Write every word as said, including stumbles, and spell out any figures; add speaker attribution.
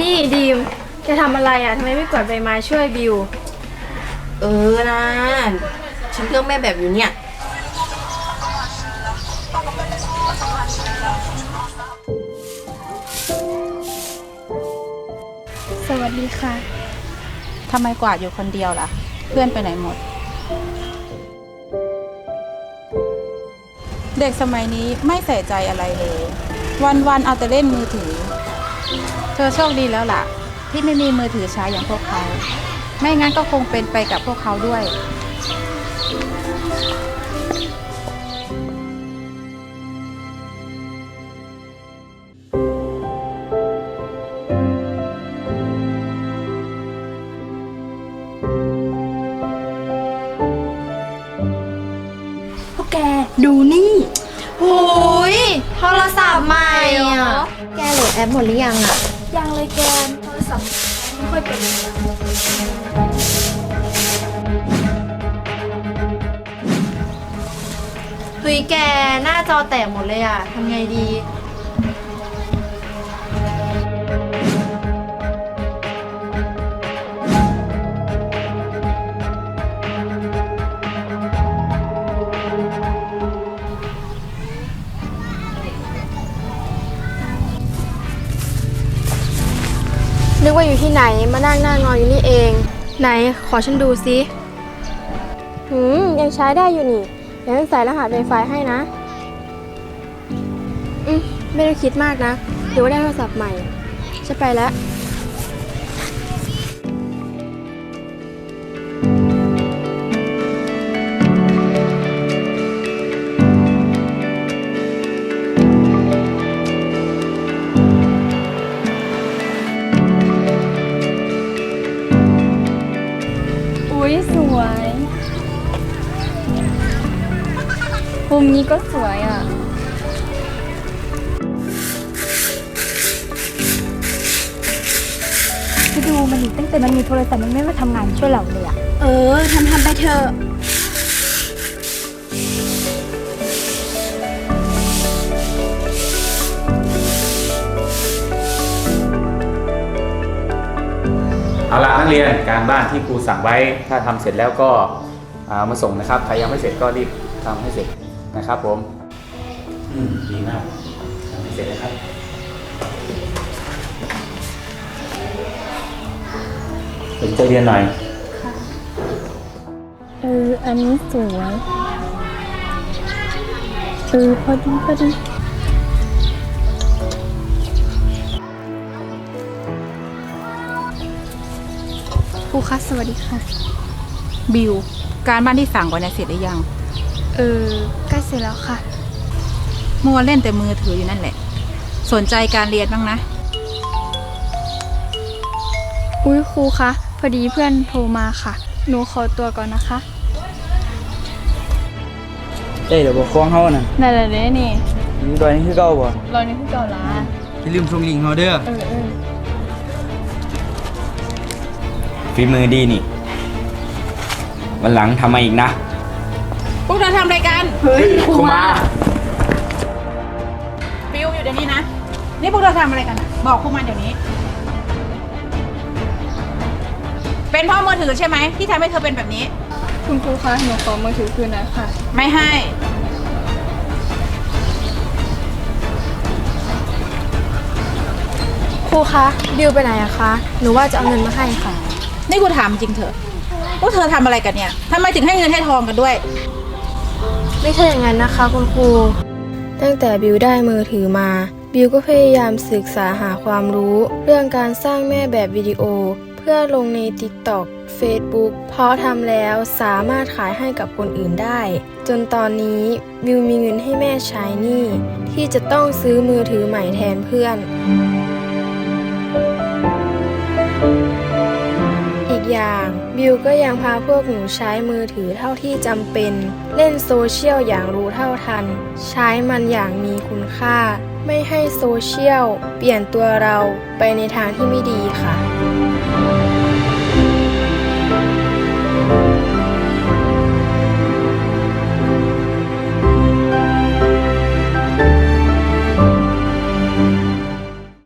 Speaker 1: นี่ดีมจะทำอะไรอ่ะทำไมไม่กวาดใบไม้ช่วยบิว
Speaker 2: เออนะฉันเลือกแม่แบบอยู่เนี่ย
Speaker 1: สวัสดีค่ะ
Speaker 3: ทำไมกวาดอยู่คนเดียวล่ะเพื่อนไปไหนหมดเด็กสมัยนี้ไม่ใส่ใจอะไรเลยวันๆเอาแต่เล่นมือถือเธอโชคดีแล้วล่ะที่ไม่มีมือถือใช้อย่างพวกเขาไม่งั้นก็คงเป็นไปกับพวกเขาด้วย
Speaker 1: พวกแกดูนี่โอ้ยโทรศัพท์ใหม่อ่ะ
Speaker 2: แกโหลดแอปหมดหรือยังอ่ะ
Speaker 1: ยังเลยแกโทรศัพท์ไม่ค่อยเป็นเฮ้ยแกหน้าจอแตกหมดเลยอ่ะทำไงดีนึกว่าอยู่ที่ไหนมานั่งหน้างออยู่นี่เองไหนขอฉันดูซิหืมยังใช้ได้อยู่นี่เดี๋ยวฉันใส่รหัส Wi-Fi ให้นะอืมไม่ต้องคิดมากนะเดี๋ยวได้โทรศัพท์ใหม่ฉันไปแล้วอุ๊ยสวยมุมนี้ก็สวยอ่ะไปดูมันดิตั้งแต่มันมีโทรศัพท์มันไม่มาทำงานช่วยเราเลยอ่ะเออทำทำไปเถอะ
Speaker 4: เอาละนักเรียนการบ้านที่ครูสั่งไว้ถ้าทำเสร็จแล้วก็เอามาส่งนะครับใครยังไม่เสร็จก็รีบทำให้เสร็จนะครับผมอืมดีมากทำให้เสร็จนะครับสนใจเรียนหน่อย
Speaker 1: เอออันนี้สวยเออพอดีพอดีครูคะสวัสดีค่ะ
Speaker 3: บิวการบ้านที่สั่งไว้เนี่ยเสร็จหรือยัง
Speaker 1: เออใกล้เสร็จแล้วค่ะ
Speaker 3: มัวเล่นแต่มือถืออยู่นั่นแหละสนใจการเรียนบ้างนะ
Speaker 1: อุ้ยครูคะพอดีเพื่อนโทรมาค่ะหนูขอตัวก่อนนะคะ
Speaker 5: เอ้ยเดี๋ยวบอกฟ้องเขาน่ะ
Speaker 1: นั่นแหละเด้นี่
Speaker 5: นี่ดอยนี่คือเก่าบ่
Speaker 1: รอยนี้คือเก่าละ
Speaker 5: อย่าลืมส่งลิงก์เขาเด้อ
Speaker 1: เออเออ
Speaker 5: ฝีมือดีนี่วันหลังทำมาอีกนะ
Speaker 3: พวกเธอทำอะไรกัน
Speaker 1: เฮ้ยครูมา
Speaker 3: บิวอยู่เดี๋ยวนี้นะนี่พวกเธอทำอะไรกันบอกครูมาเดี๋ยวนี้เป็นเพราะมือถือใช่ไหมที่ทำให้เธอเป็นแบบนี้
Speaker 1: คุณครูคะหนูขอมือถือคืนนะค่ะ
Speaker 3: ไม่ให้
Speaker 1: ครูคะบิวไปไหนอะคะหนูว่าจะเอาเงินมาให้ค่ะ
Speaker 3: นี่กูถามจริงเถอะพวกเธอทำอะไรกันเนี่ยทำไมถึงให้เงินให้ทองกันด้วย
Speaker 1: ไม่ใช่อย่างนั้นนะคะคุณครูตั้งแต่บิวได้มือถือมาบิวก็พยายามศึกษาหาความรู้เรื่องการสร้างแม่แบบวิดีโอเพื่อลงใน ติ๊กต็อก เฟซบุ๊ก เพราะทำแล้วสามารถขายให้กับคนอื่นได้จนตอนนี้บิวมีเงินให้แม่ใช้หนี้ที่จะต้องซื้อมือถือใหม่แทนเพื่อนอีกอย่างบิวก็ยังพาพวกหนูใช้มือถือเท่าที่จำเป็นเล่นโซเชียลอย่างรู้เท่าทันใช้มันอย่างมีคุณค่าไม่ให้โซเชียลเปลี่ยนตัวเราไปในทางที่ไม่ดีค่ะ